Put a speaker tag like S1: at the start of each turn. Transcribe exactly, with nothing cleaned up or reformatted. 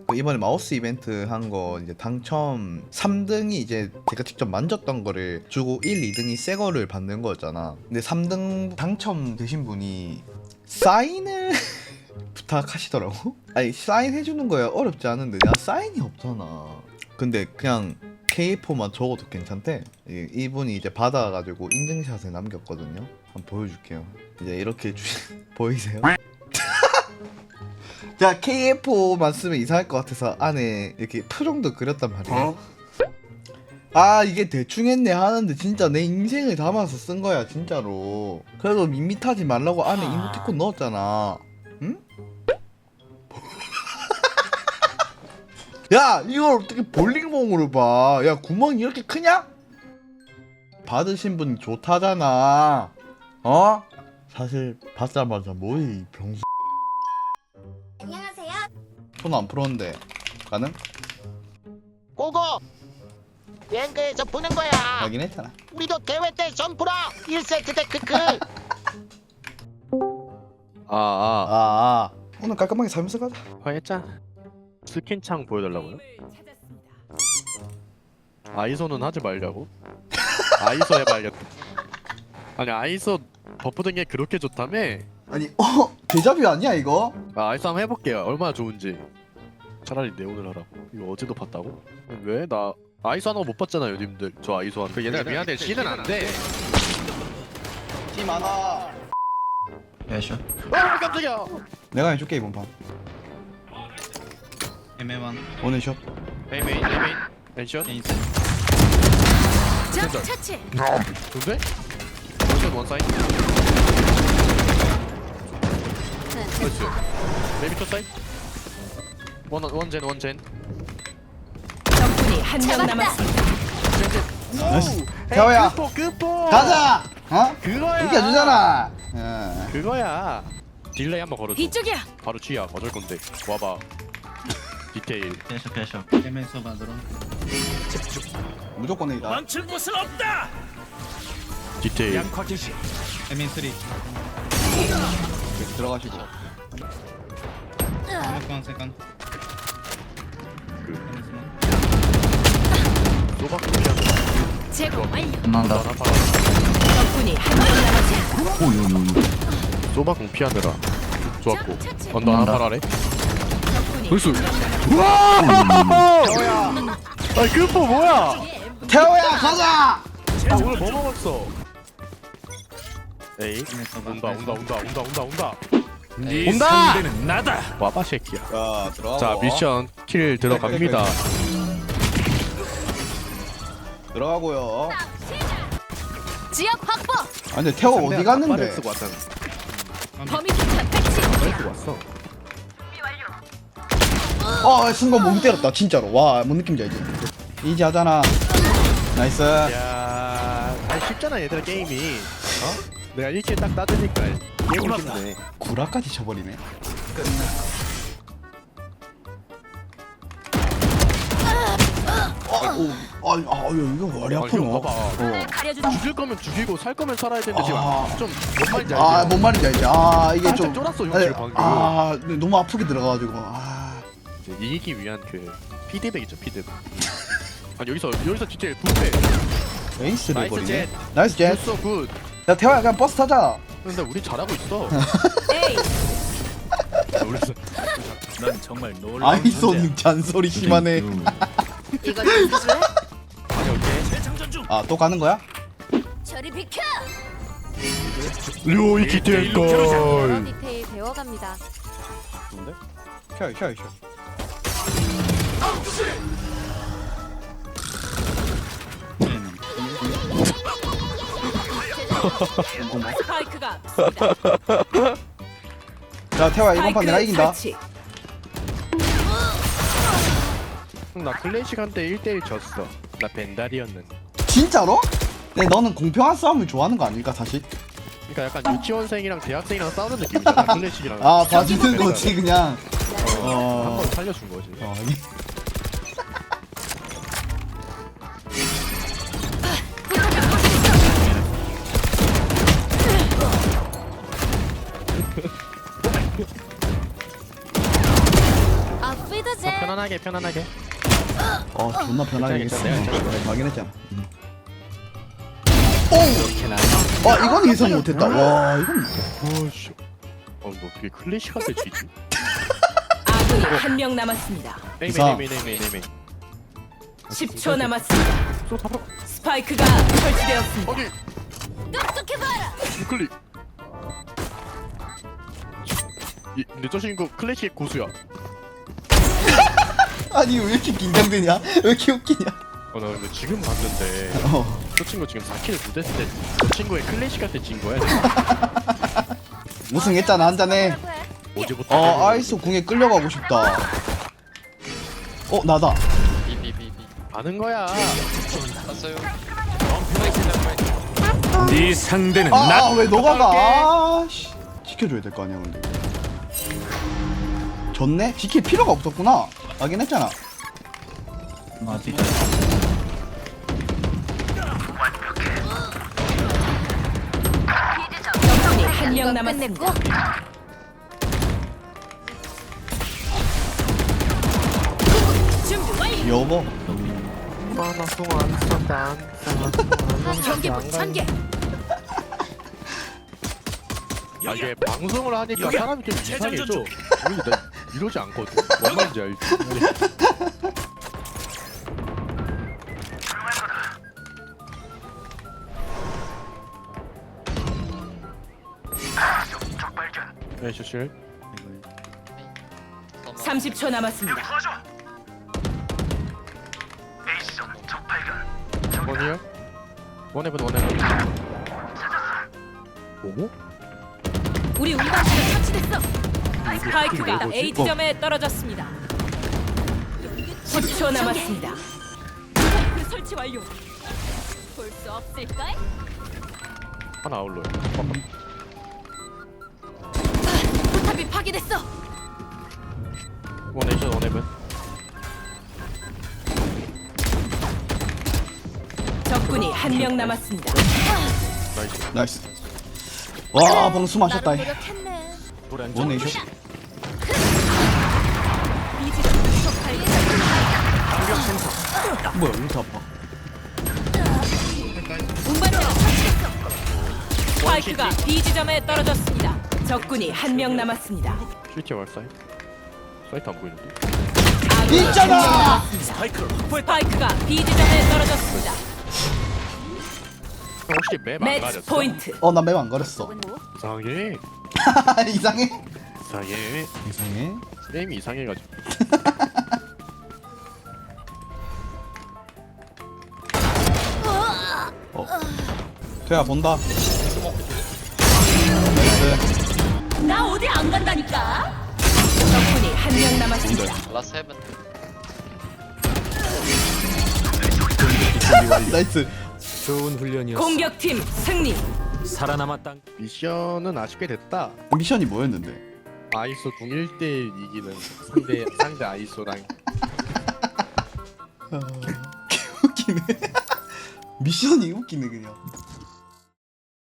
S1: 그 이번에 마우스 이벤트 한 거 이제 당첨 삼 등이 이제 제가 직접 만졌던 거를 주고 일, 이 등이 새 거를 받는 거였잖아. 근데 삼 등 당첨되신 분이 사인을 부탁하시더라고. 아니 사인 해주는 거야 어렵지 않은데 내가 사인이 없잖아. 근데 그냥 케이포만 적어도 괜찮대. 이- 이분이 이제 받아가지고 인증샷을 남겼거든요. 한번 보여줄게요. 이제 이렇게 주... 보이세요? 자 케이에프오만 쓰면 이상할 것 같아서 안에 이렇게 표정도 그렸단 말이야. 어? 아 이게 대충 했네 하는데 진짜 내 인생을 담아서 쓴 거야 진짜로. 그래도 밋밋하지 말라고 안에 이모티콘 넣었잖아. 응? 야 이걸 어떻게 볼링봉으로 봐. 야 구멍이 이렇게 크냐? 받으신 분이 좋다잖아. 어? 사실 받자마자 뭐해 이 병수.
S2: 안녕하세요.
S1: 손 안 풀었는데 가능?
S3: 고고! 랭크에서 푸는 거야.
S1: 하긴 했잖아.
S3: 우리도 대회 때 점프라. 일 세트 때 크크.
S4: 아, 아,
S1: 아, 아. 오늘 깔끔하게 살면서 가자.
S4: 화했자. 스킨창 보여달라고요? 아이소는 하지 말자고? 아이소 해봐야겠다. 아니 아이소 버프 된 게 그렇게 좋다며?
S1: 아니 어? 데자뷰 아니야 이거?
S4: 아, 아이소 한번 해볼게요. 얼마나 좋은지. 차라리 내 오늘 하라고. 이거 어제도 봤다고? 왜? 나 아이소 하는 거 못 봤잖아요, 님들. 저 아이소 하는 거. 얘네가 미안해, C는 안 돼.
S1: 팀 하나.
S5: 야쇼
S4: 아, 깜짝이야.
S1: 내가 해줄게 이번 판.
S5: 애매한
S1: 오늘 샷.
S4: 에이 메인, 에이 메인. 엔션.
S5: 인생
S2: 적
S4: 진짜.
S2: 처치.
S4: 좋은데? 원샷 원사인. 그렇지. 메이비 투 사인. 원 원젠 원젠.
S2: 적군이 한 명 남았습니다.
S1: 나이스. 태호야.
S4: 끝포 끝포.
S1: 가자. 어?
S4: 그거야.
S1: 이겨주잖아. 어.
S4: 그거야. 딜레이 한번 걸어줘.
S2: 이쪽이야.
S4: 바로 G야. 어쩔 건데. 와봐. 디테일.
S5: 야쇼 야쇼 애매서 만들어
S1: 무조건 A다.
S6: 망칠 곳은 없다.
S4: 디테일.
S6: 양파기시.
S5: 애매 쓰리
S1: 들어가시고.
S5: 세컨 세컨
S4: 소박 공피하느라.
S2: 제거 완료.
S5: 끝난다
S4: 하나 팔아.
S2: 적군이 한 명 남았습니다.
S4: 소박 공피하느라. 좋았고.
S2: 처치.
S4: 언더 하나 팔아래.
S2: 적군이
S4: 벌써.
S2: 한 명
S4: 우와! 태호야. 아니 끝포 뭐야?
S1: 태호야 가자.
S4: 아 오늘 뭐 먹었어? 에이.
S5: 애매서
S4: 온다 온다 온다 온다 온다 온다.
S6: 네
S4: 온다!
S6: 상대는 나다.
S4: 와봐 새끼야.
S1: 자 들어가.
S4: 자 미션 킬 들어갑니다.
S1: 들어가고요.
S2: 지역 확보.
S1: 아 근데 태호 어디 갔는데?
S4: 쓰고 왔잖아.
S2: 범위 수탄 배치.
S4: 쓰고 왔어.
S1: 아 순간 몸 때렸다 진짜로. 와 뭔 느낌인지 알지? 이지 하잖아. 나이스.
S4: 야, 아니 쉽잖아 얘들아 게임이. 어? 내가 일 킬 딱 따드니까 게임을 쉽네.
S1: 구라까지 쳐버리네. 아이고, 아이, 아, 이거 머리
S4: 아,
S1: 아프노.
S4: 이거 봐봐.
S1: 어.
S2: 가려주지.
S4: 죽일 거면 죽이고 살 거면 살아야 되는데 지금
S1: 아.
S4: 좀뭔 말인지 알지?
S1: 아, 뭔 말인지 알지? 아, 이게
S4: 살짝
S1: 좀.
S4: 쫄았어,
S1: 아니,
S4: 용치를 방금.
S1: 아, 너무 아프게 들어가가지고. 아,
S4: 이제 이기기 위한 그 피드백이죠 피드백. 아 여기서 여기서 진짜 부패.
S1: 에이스를
S4: 나이스
S1: 버리네.
S4: 젯.
S1: 나이스 젯.
S4: 굿소 굿.
S1: 야, 태화야, 그냥 버스 타자.
S4: 근데 우리 잘하고 있어.
S2: 에이.
S4: 놀랐어.
S6: 넌 정말 놀라운
S1: 아이손 잔소리 심하네.
S2: 이거 좀 주실래?
S4: 아니 오케이.
S6: 재창전 중.
S1: 아, 또 가는 거야?
S2: 저리 비켜.
S4: 료이 기텔 걸.
S2: 디테일 배워갑니다.
S4: 좋은데?
S1: 켜, 켜, 켜.
S2: 스파이크가
S1: 자, 태화 이번 판 내가 이긴다.
S2: 설치.
S4: 나 클래식 한때 일 대 일 졌어. 나 벤달이었는데.
S1: 진짜로? 네, 너는 공평한 싸움을 좋아하는 거 아닐까 사실?
S4: 그러니까 약간 유치원생이랑 대학생이랑 싸우는 느낌이잖아. 클래식이랑.
S1: 아, 봐주는 거지 그냥. 어.
S4: 한번 살려준 거지.
S1: 어, 이-
S2: 아, 피드제.
S4: 편안하게 편안하게.
S1: 어 존나 편하게 했어.
S4: 괜찮아, 괜찮아.
S1: 어, 확인했잖아. 음. 오! 아 이건 예상 못했다. 와 이건
S4: 오씨. 어, 뭐 어떻게 클래식한테 지지?
S2: 아군이 한 명 남았습니다.
S4: 에이메
S1: 이상.
S4: 에이메 에이메 에이메.
S2: 십 초 남았습니다.
S4: 또 잡아.
S2: 스파이크가 설치되었습니다.
S4: 어디?
S2: 똑똑해봐라.
S4: 클릭. 이, 근데 저 친구 클래식 고수야.
S1: 아니 왜 이렇게 긴장되냐? 왜 이렇게 웃기냐?
S4: 어, 나 근데 지금 봤는데
S1: 어.
S4: 저 친구 지금 사 킬을 못했을 때 저 친구의 클래식한테 진 거야. 내가.
S1: 우승했잖아 한 잔에.
S4: 어제부터.
S1: 아 아이소 궁에 끌려가고 싶다. 어 나다.
S4: 아는 거야.
S6: 네 상대는 나.
S1: 아왜 너가 가? 아씨 지켜줘야 될 거 아니야 근데. 졌네? 지킬 필요가 없었구나. 하긴 했잖아.
S5: 맞지.
S2: 적군이 한 명 남았습니다. 준비 완료.
S1: 여보.
S2: 경계부 전개.
S4: 아 이게 방송을 하니까
S6: 여기야.
S4: 사람이 좀 이상해져.
S6: 재장전 중.
S4: 우리 나 이러지 않거든. 뭔 말인지 알지? 네, 슈실.
S2: 삼십 초 남았습니다.
S4: 원이요? 원해본 원해본. 오?
S2: 우리 운반기가 설치됐어. 스파이크가
S4: 뭐지?
S2: A 지점에 떨어졌습니다. 십 초 남았습니다. 스파이크 설치 완료. 볼 수 없을까?
S4: 하나 아울러요.
S2: 포탑이 파괴됐어.
S4: 원에이션 원해본.
S2: 적군이 한 명 남았습니다.
S4: 나이스.
S1: 나이스. 와 방금 숨 마셨다.
S2: 나름 노력했네.
S1: 원에이션.
S2: B 지점 속 발견.
S1: 뭐야 왜 이렇게 아파?
S2: 운반기가 설치됐어. 스파이크가 B 지점에 떨어졌습니다. 적군이 한 명 남았습니다.
S4: 슈티 왈사이. 사이트 안 보이는데?
S2: 아군이
S1: 있잖아!
S2: 한명 남았습니다.
S6: 스파이크를 확보했다.
S2: 스파이크가 B 지점에 떨어졌습니다.
S4: 형 혹시 맵 안
S2: 매치
S4: 가렸어?
S2: 포인트.
S1: 어나 맵 안 걸었어.
S4: 이상해.
S1: 이상해?
S4: 이상해.
S1: 이상해?
S4: 게임이 이상해가지고.
S1: 어. 태야 본다. 나이스.
S2: 나 어디 안 간다니까. 적군이 한 명 남았습니다.
S1: 나이스.
S6: 좋은 훈련이었어.
S2: 공격팀 승리.
S6: 살아남았다.
S4: 미션은 아쉽게 됐다.
S1: 미션이 뭐였는데?
S4: 아이소 궁 일 대 일 이기는 상대 상대 아이소랑
S1: 웃기네. 미션이 웃기네 그냥.